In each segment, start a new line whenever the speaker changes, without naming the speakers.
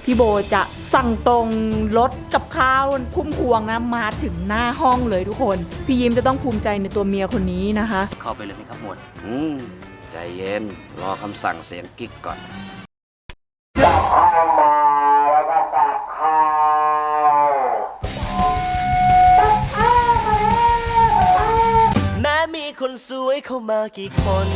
พี่โบจะสั่งตรงรถกับข้าวพุ่มพวงนะมาถึงหน้าห้องเลยทุกคนพี่ยิ้มจะต้องภูมิใจในตัวเมียคนนี้นะคะ
เข้าไปเลยไหมครับหมวดใจเย็นรอคำสั่งเสียงกิ๊กก่อน
แม้มีคนสวยเข้ามากี่คน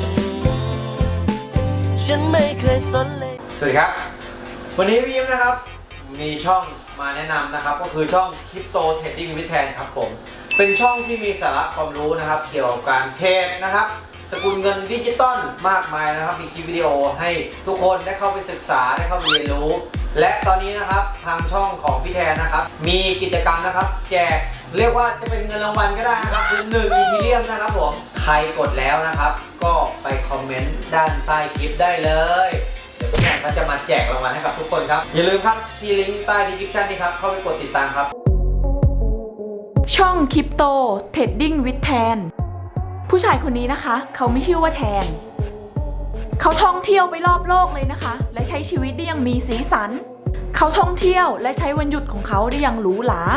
ฉันไม่เคยสนเลย
สวัสดีครับวันนี้พี่ยิ้มนะครับมีช่องมาแนะนำนะครับก็คือช่อง Crypto Trading with Tan ครับผมเป็นช่องที่มีสาระความรู้นะครับเกี่ยวกับการเทรดนะครับสกุลเงินดิจิตอลมากมายนะครับมีคลิปวิดีโอให้ทุกคนได้เข้าไปศึกษาได้เข้าไปเรียนรู้และตอนนี้นะครับทางช่องของพี่แทนนะครับมีกิจกรรมนะครับแจกเรียกว่าจะเป็นเงินรางวัลก็ได้นะครับคือ1 อีทีเรียมนะครับผมใครกดแล้วนะครับก็ไปคอมเมนต์ด้านใต้คลิปได้เลยเดี๋ยวพี่แทนก็จะมาแจกรางวัลให้กับทุกคนครับอย่าลืมครับที่ลิงก์ใต้ดีสคริปชั่นนี้ครับเข้าไปกดติดตามครับ
ช่อง Crypto Trading with Tan ผู้ชายคนนี้นะคะเขาไม่ชื่อว่าแทนเขาท่องเที่ยวไปรอบโลกเลยนะคะและใช้ชีวิตได้อย่างมีสีสันเขาท่องเที่ยวและใช้วันหยุดของเขาได้อย่างหรูหรา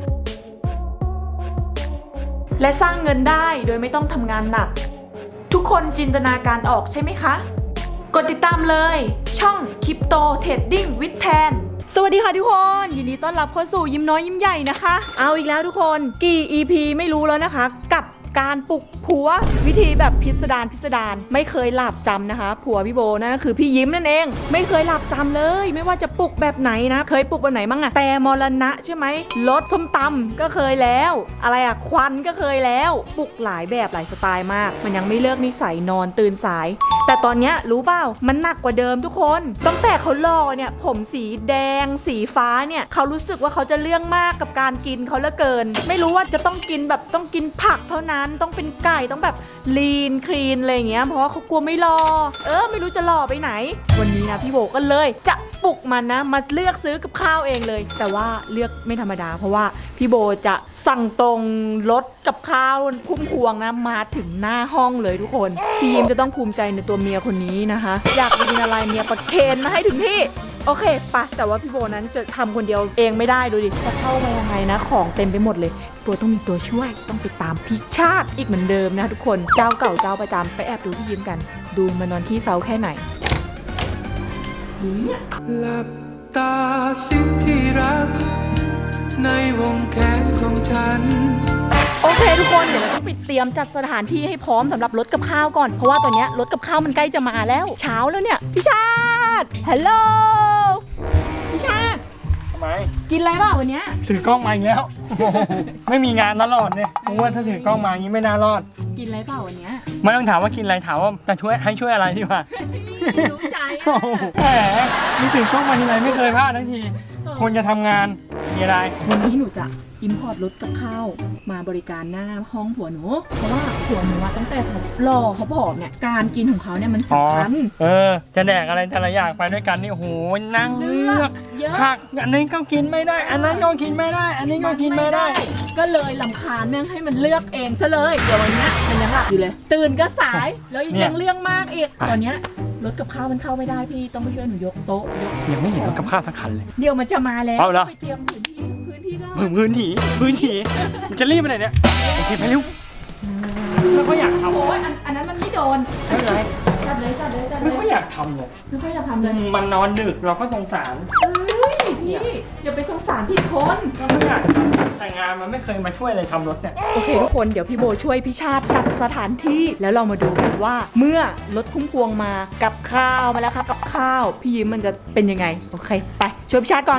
และสร้างเงินได้โดยไม่ต้องทำงานหนักทุกคนจินตนาการออกใช่ไหมคะกดติดตามเลยช่อง Crypto Trading with Tan สวัสดีค่ะทุกคนยินดีต้อนรับเข้าสู่ยิ้มน้อยยิ้มใหญ่นะคะเอาอีกแล้วทุกคนกี่ EP ไม่รู้แล้วนะคะกับการปลุกผัววิธีแบบพิสดารไม่เคยหลับจำนะคะผัวพี่โบนั่นก็คือพี่ยิ้มนั่นเองไม่เคยหลับจำเลยไม่ว่าจะปลุกแบบไหนนะเคยปลุกแบบไหนบ้างอะแต่มรณะใช่ไหมรถส้มตำก็เคยแล้วอะไรอะควันก็เคยแล้วปลุกหลายแบบหลายสไตล์มากมันยังไม่เลิกนิสัยนอนตื่นสายแต่ตอนนี้รู้เปล่ามันหนักกว่าเดิมทุกคนตั้งแต่เขาหล่อเนี่ยผมสีแดงสีฟ้าเนี่ยเขารู้สึกว่าเขาจะเรื่องมากกับการกินเขาเหลือเกินไม่รู้ว่าจะต้องกินแบบต้องกินผักเท่านั้นต้องเป็นไก่ต้องแบบลีนคลีนอะไรอย่างเงี้ยเพราะว่าเขากลัวไม่รอไม่รู้จะรอไปไหนวันนี้นะพี่โบก็เลยจะปลุกมันนะมาเลือกซื้อกับข้าวเองเลยแต่ว่าเลือกไม่ธรรมดาเพราะว่าพี่โบจะสั่งตรงรถกับข้าวพุ่มพวงนะมาถึงหน้าห้องเลยทุกคนพี่ยิ้มจะต้องภูมิใจในตัวเมียคนนี้นะคะอยากกินอะไรเมียประเคนมาให้ถึงที่โอเคปะแต่ว่าพี่โบนั้นจะทำคนเดียวเองไม่ได้ดูดิจะเข้ามายังไงนะของเต็มไปหมดเลยโบต้องมีตัวช่วยต้องไปตามพี่ชาติอีกเหมือนเดิมนะทุกคนเจ้าเก่าเจ้าประจำไปแอบดูพี่ยิ้มกันดูมานอนขี้เซาแค่ไหนดูเนี่ย
หลับตาสิที่รักในวงแขนของฉัน
โอเคทุกคนเดี๋ยวเราต้องไปเตรียมจัดสถานที่ให้พร้อมสำหรับรถกับข้าวก่อนเพราะว่าตอนนี้รถกับข้าวมันใกล้จะมาแล้วเช้าแล้วเนี่ยพี่ชาติฮัลโหลพี่ชาติ
ทำไม
กินอะไรบ้างวันนี้
ถือกล้องมาอีกแล้ว ไม่มีงานตลอดเนี่ยเพราะว่าถ้าถือกล้องมาอย่างนี้ไม่น่ารอด
กินอะไรเปล่าวันนี้
ไม่ต้องถามว่ากินอะไรถามว่าจะช่วยให้ช่วยอะไรดีกว่า
รู้ใจ
แหมมีถือกล้องมาทีไรไม่เคยพลาดทั้งทีคนจะทำงานมีอะไร
วันนี้หนูจะอิมพอร์ตรถกับข้าวมาบริการหน้าห้องผัวหนูเพราะว่าผัวหนูตั้งแต่เขาหล่อเขาผอมเนี่ยการกินของเขาเนี่ยมันสำคัญ
จะแดกอะไรแต่ละอย่างไปด้วยกันนี่โอ้โหนั่งเลือกผักอันนี้ก็กินไม่ได้อันนั้นก็กินไม่ได้อันนี้ก็กินไม่ได้
ก็เลยลำคาญเนี่ยให้มันเลือกเองซะเลยเดี๋ยววันนี้มันยังหลับอยู่เลยตื่นก็สายแล้วยังเรื่องมากอีกตอนนี้รถกับข้าวมันเข้าไม่ได้พี่ต้องไปช่วยหนูยกโต๊ะ
ยังไม่เห็นรถกับข้าวสักคันเลย
เดี๋ยวมันจะมาแล้วไปเตรียมพื้นที่ก็
พื้นที่มันจะรีบไปไหนเนี่ยโอเคไปเร็วไม่ค่อยอยากทำ
โอ้ยอันนั้นมันไม่โดน
ไม่เป็นไร
จัดเลย
ไม่ค่อยอยากทำเลย
ไม่ค่อยอยากทำเลย
มันนอนดึกเราก็สงสาร
พี่อย่าไปสงสารพี่คน
ก็ไม่อยากแต่งานมันไม่เคยมาช่วยเลยทำรถเนี่ย
โอเคทุกคนเดี๋ยวพี่โบช่วยพี่ชาติจัดสถานที่แล้วเรามาดูกันว่าเมื่อรถพุ่มพวงมากับข้าวมาแล้วครับกับข้าวพี่ยิ้มมันจะเป็นยังไงโอเคไปช่วยพี่ชาติก่อน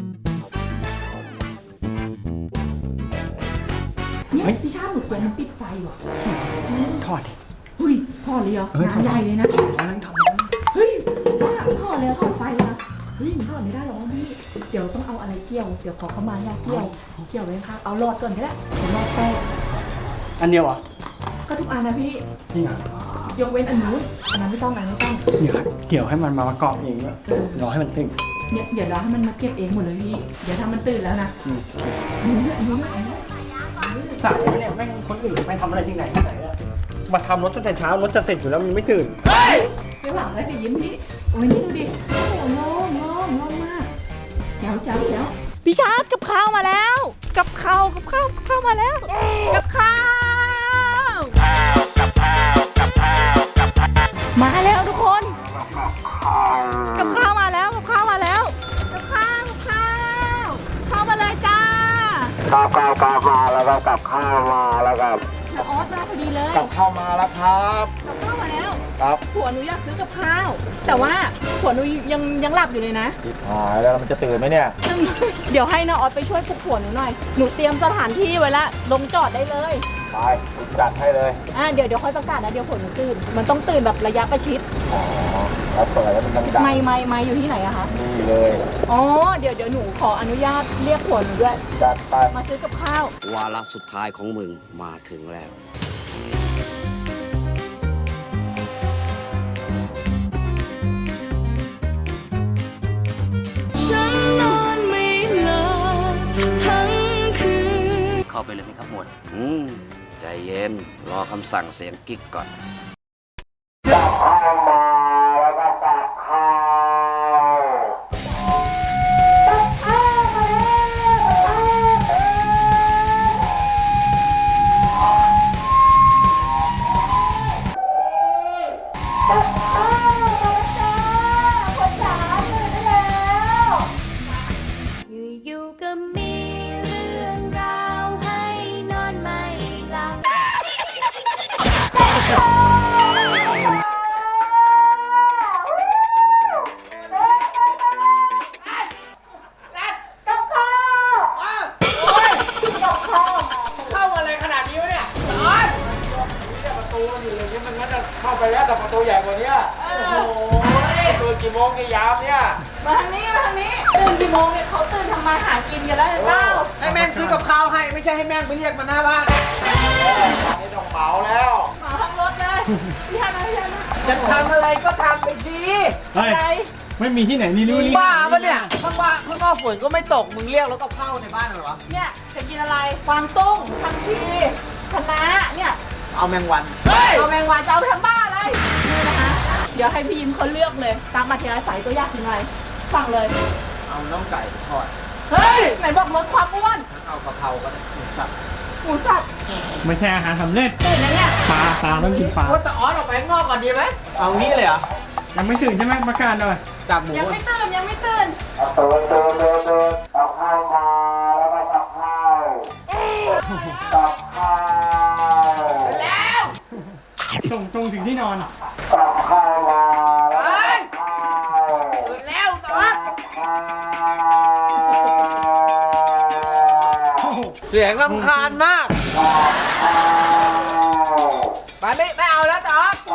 เนี่ยพี่ชาติหลุดกวนมันติดไฟว่ะ
ถอด
เฮ้ยถอดเลยเหรองานใหญ่เลยนะ
กำลังท
ำเฮ้ยถอดเลยถอดไฟเลยนะเฮ้ยถอดไม่ได้หรอกพี่เดี๋ยวต้องเอาอะไรเกี่ยวเดี๋ยวขอเข้ามาเนี่ยเกี่ยวไว้ครับเอาหลอดก่อนก็ได้เดี๋ยวหลอดแตก
อันเดียวอ่ะ
ก็ทุกอันนะพี่
นี่ไง
ยกเว้นอันนู้นอันนั้นไม่ต้อง
เนี่ยเกี่ยวให้มันมาประกอบเองด้วยรอให้มันตื่น
เนี่ยเดี๋ยวรอให้มันมาเก็บเองหมดเลยพี่เดี๋ยวถ้ามันตื่นแล้วนะนู้น
สั่งเนี่ยแม่งคนอื่นไปทำอะไรที่ไหนมาทำรถตั้งแต่เช้ารถจะเสร็จอยู่แล้วมันไม่ตื่น
ไม่หวังเลยแต่ยิ้มพี่โอ้ยนี่ดูดิโอ้โหโล่งมากแจ๋วพี่ชาร์ตกับข้าวมาแล้ว กับข้าวมาแล้ว กับข้าวมาแล้วทุกคน กับข้าวมาแล้วเข้ามาเลยจ้ามาแล้วก็กับข้าวมาแล้วครับออสมาพอดีเลย
กับข้าวมาแล้วครับ
กับข้าวมาแล้ว
ครับ
ผัวหนูอยากซื้อกับข้าว แต่ว่าผัวหนูยังหลับอยู่เลยนะ
หายแล้วมันจะตื่นไหมเนี่ย
เดี๋ยวให้น้าออสไปช่วยปลุกผัวหนูหน่อย หนูเตรียมสถานที่ไว้ละลงจอดได้เลย
ไปจัดให้เลย
เดี๋ยวค่อยประกาศนะเดี๋ยวผัวหนูตื่น มันต้องตื่นแบบระยะประชิด
อ๋อแล้วเปิดแล้วมันดัง
ไม่อยู่ที่ไหนอะคะ
ๆนี่เลย
อ๋อเดี๋ยวหนูขออนุญาตเรียกผัวหนูด้วย
จัดไป
มาซื้อกับข้าว
วาระสุดท้ายของมึงมาถึงแล้ว
ฉันนอนไม่หลับทั้งคืน
เข้าไปเลยไหมครับหมวดใจเย็น รอคำสั่งเสียงกิ๊กก่อน
อยู่ๆก็มีเรื่องราวให้นอนไม่หลับ
เข้ามาเลยขนาดนี้วะเนี่ยร้อนประตูมันอยู่อย่างนี้มันน่าจะเข้าไปแล้วแต่ประตูใหญ่กว่านี้โอ้โหตื่นกี่โมงกี่ยามเนี่ย
มาทางนี้ตื่นกี่โมงเนี่ยเขาตื่นทำมาหากินกันแล้วเจ้า
ให้แม่งซื้อกับข้าวให้ไม่ใช่ให้แม่งไปเรียกมาหน้าบ้านนี่ต้องเหมาแล้ว
มาทางรถเลยพี่ฮานะ
จะทำอะไรก็ทำไปดี
เฮ้ย
อะไร
ไม่มีที่ไหนนี่รู้
มึงบ้าปะเนี่ยข้างนอกฝนก็ไม่ตกมึงเรียกแล้วก็เข้าในบ้านเหรอวะ
เนี่ยจะกินอะไรกวางตุ้งทังทีคะน้าเนี่ย
เอาแมงวัน
เอาแมงวันจะเอาไปทำบ้าอะไรนี่นะคะเดี๋ยวให้พี่ยิ้มเขาเลือกเลยตามมาทีละสายตัวอยากกินอะไรฟังเลย
เอาน้องไก่ทอด
เฮ้ยไหนบอกลดความอ้วน
เอากะเพราก็ได้หมูสับ
หมูสับ
ไม่ใช่อาหารสำเร็จ
ตื่นแล้วเนี่ย
ปลาต้องกินปลา
ว่าแต่ออสออกไปข้างนอกก่อนดีไหมเอางี้เลยเหรอ
ยังไม่ตื่นใช่ไหมประกาศหน่อย
จับหมู
ยังไม่ตื่นยังไม่ตื่น
เอาข้าวมาแล้วก็กับข้าวกับข้าวแล้ว
ส่งตรงถึงที่นอน
กับข้าวมาแล้วก็กับข้าวตื่นแล้วตอสเสียงรำคาญมากไปไม่เอาแล้วตอส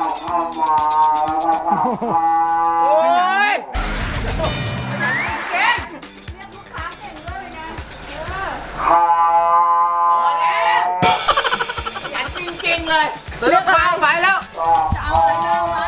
โอ้ยเก่ง
เรียกลูกค้าเก่งด้วยเป็นไง
พอแล้วยันจริงๆเลยซื้อข้าวไปแล้ว จะเอาอะไรเอาไว้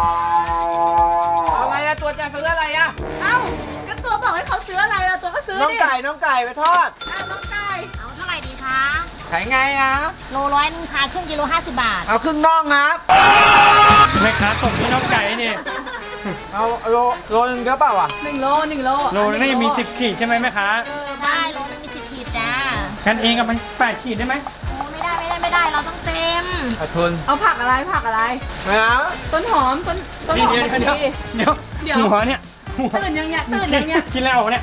เอาอะไรอะตัวจะซื้ออะไรอะ
เอ้าก็ตัวบอกให้เขาซื้ออะไรล่ะตัวก็ซื้อ
น้อง
ดิ
ไก่ไปทอด
น้องไก่
เอาเท่าไหร่ดีคะ
ขายไงอะ
โลร้อยนึงค่ะครึ่งกิโล50 บาท
เอาครึ่งน่องครับ
แม่ค้าส่งที่น้องไก่นี่
เอาโลนึงเยอะเปล่าอะ
1 โล
โลนึงมี10 ขีดใช่ไหมแม่ค้า
ได้โลนึงมี10 ขีดจ้า
กันเองกับมัน8 ขีดได้ไหม
โอ้ไม่ได้เราต้องเต็ม
ขาดทุน
เอาผักอะไร
ไม่เอา
ต้นหอมต้นหอม
เดี๋ยว
ผักชี
เดี๋ยว
เดี๋ยว
หัวเนี่ยหัว
ตื่นยังเนี่ยตื่นยังเนี่ย
กินแล้วเนี่ย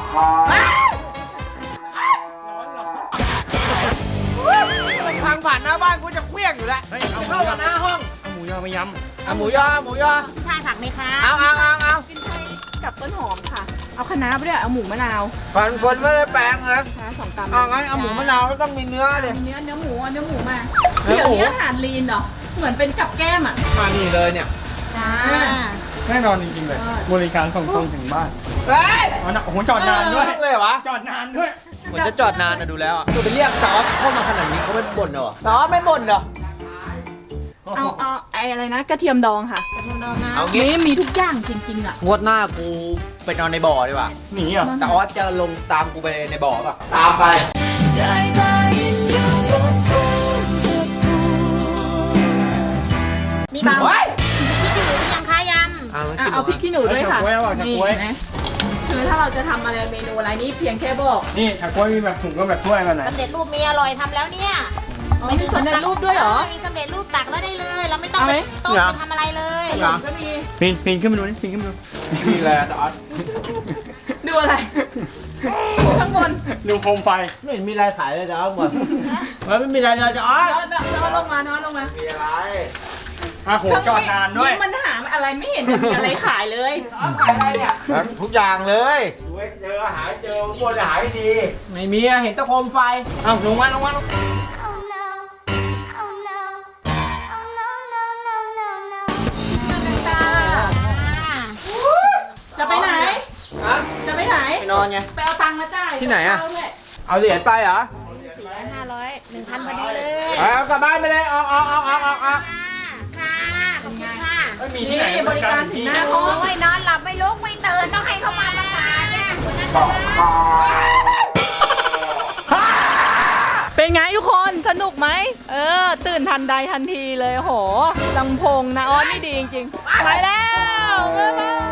ทางผ่านหน้าบ้านกูจะเคลี้ยงอยู่แล้ว
เฮ้ยเอา
เข้ามาหน้าห้อง
เอาหมูยอมายำ
เอาหมูยอ
ชายผักไหมคะ
เอา
กินไทยกับต้นหอมค่ะ เอาคะน้าไปด้วยเอาหมูมะนาว
ฝันคนไม่ได้แปลงเลย
นะ2 กรัม
เอางั้นเอาหมูมะนาวก็ต้องมีเนื้อเลย
มีเนื้อหมูเอาเนื้อหมูมา
เนื้อ
เดี๋ยว
หมู
นี้อาหารลีนเหรอเหมือนเป็นกับแก้มอ่ะ
มานี่เลยเนี่ย
จ้า
แน่นอนจริงๆเลยบริการส่งตรงถึงบ้าน
เฮ้ย
อ๋อนะโอ้โหจอดนานด้วย
เลยเหรอวะ
จอดนานด้วย
เหมือนจะจอดนานนะดูแล้วอ่ะตัวไปเรียกซอสเข้ามาขนาดนี้เขาไม่บ่นเหรอซอสไม่บ่นเหรอ
เอาไอ้อะไรนะกระเทียมดองค่ะ
เอางี้
นี่มีทุกอย่างจริงๆอ่ะ
งวดหน้ากูไปนอนในบ่อดีกว่า
หนีเหรอ
แต่ออสจะลงตามกูไปในบ่อป่ะ ตามไป
ได้แต่ยินยอมรับความเจ็บปวด
มีเบา
เฮ้ย
พี่กินหมูหรือยังคะยำ
เอา
เอาพริกขี้หนูด้วยค่ะ
เอาจากกล้วย
นี่
เอาจากกล้วย
เห็นไหมคือถ้าเราจะทำอะไรเมนูอะไรนี่เพียงแค่บอก
นี่ถ้ากล้วยมีแบบถุงก็แบบถ้วยมาไหน
สำเร็จรูปมีอร่อยทำแล้วเนี่ย
อ๋อมีสำเร็จรูปด้วยเหรอ
มีสำเร็จรูปตักแล้วได้เลย เราไม่ต้อง
เอาไห
ไป
ม
ต้มไปทำอะไรเลย
ขนมก็มี
ปีนขึ้นมาดูนี่ปีนขึ้นมาดู
มีอะไรอะจอร์ด
ดูอะไรข้างบน
ดูโคมไฟ
ไม่เห็นมีอะไรขายเลยจอร์ดหมดไม่มีอะไรเลยจอร์ด
นอนลงมานอนลงมา
มีอะไร
อ่ะโหจอดนานด้วย
มันหาอะไรไม่เห็นจะมีอะไรขายเลย
ขายอะไรเนี่ยทุกอย่างเลยเจอหายเจอพวกจะหายดี ไม่มีอะเห็นแตะโคมไฟ
อ้าวลงมาลงมาลง
Oh no, oh no, oh no, no, no, no, no.
จะไปไหน
ฮะ
จะไปไหน
ไปนอนไง
ไปเอาตังค์มาจ่าย
ที่ไหนอะ
เาด้วย
เอาเหรียญไปเหรอ
500 1,000พอดีเลย
เอากลับบ้านไปเลยเอา
ค่ะ ขอบคุณค่ะ
ไม่มีที่ไหน
นี่บริการถึงหน้าห้อง
โอ้ยนอนหลับไม่ลุกไม่ตื่นต้องให้เขามาประกาศเนี่ย
เป็นไงทุกคนสนุกไหมตื่นทันใดทันทีเลยโหลำโพงนะออสนี่ดีจริงๆไปแล้วบ๊ายบาย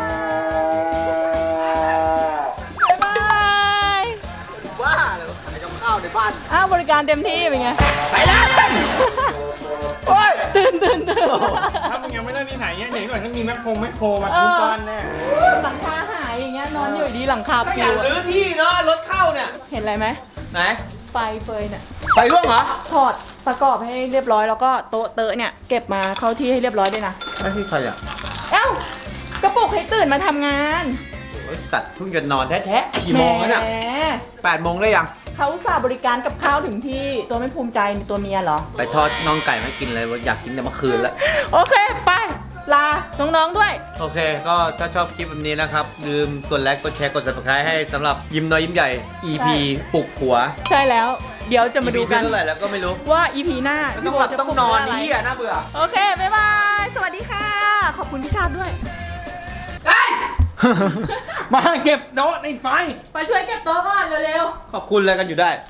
บ๊ายบาย
บ้าเลยขายกับข้าวในบ้าน
อ้าวบริการเต็มที่เป็นไง
ไปแล้ว โอ้ย
ตื่น
ถ้ามึงยังไม่ได้ที่ไหนเนี่ยเดี๋ยวก่อนต้องมีแมคโครมาทุบบ้านแน่
หลังคาหายอย่างเงี้ยนอนอยู่ดีหลังคา
อ
ปิ
ยาว ก
อะ
รื้อที่เนาะรถเข้าเนี่ย
เห็นอะไรไหม
ไหน
ไฟเฟยเนี่ย
ไฟร่วงเหรอ
ถอดประกอบให้เรียบร้อยแล้วก็โต๊ะเตอะเนี่ยเก็บมาเข้าที่ให้เรียบร้อยด้วยนะ
ไม่ใช่ใครอ่ะ
เอ้ากระปุกให้ตื่นมาทำงาน
โอ้ยสัตว์เพิ่งจะนอนแท้ๆกี่โมงแล้วเนี่ย
แหม
8 โมงได้ยัง
เขาอุตส่าห์บริการกับข้าวถึงที่ตัวไม่ภูมิใจในตัวเมียเหรอ
ไปทอดน่องไก่มากินเลยอยากกินแต่เมื่อคืนแล้ว
โอเค ไป ลา น้อง ๆ ด้วย
โอเค ก็ถ้าชอบคลิปแบบนี้นะครับ ลืมกดไลค์ กดแชร์ กด subscribe ให้สำหรับยิ้มน้อยยิ้มใหญ่ EP ปลุกหัว
ใช่แล้ว เดี๋ยวจะมาดูกัน
EP เท่าไหร่แล้วก็ไม่รู้
ว่า EP หน้า
ต้องหลับ
พี่โจะ
ต้องนอน
ปลุก
นี่
เรื่งะไร
อ่ะน่าเบื่อ
โอเค บ๊ายบาย สวัสดีค่ะ ขอบคุณพี่ชาติด้วย
มาเก็บโต๊ะในไฟ
ไปช่วยเก็บโต๊ะก่อนเร็ว
ขอบคุณอะไรกันอยู่ได้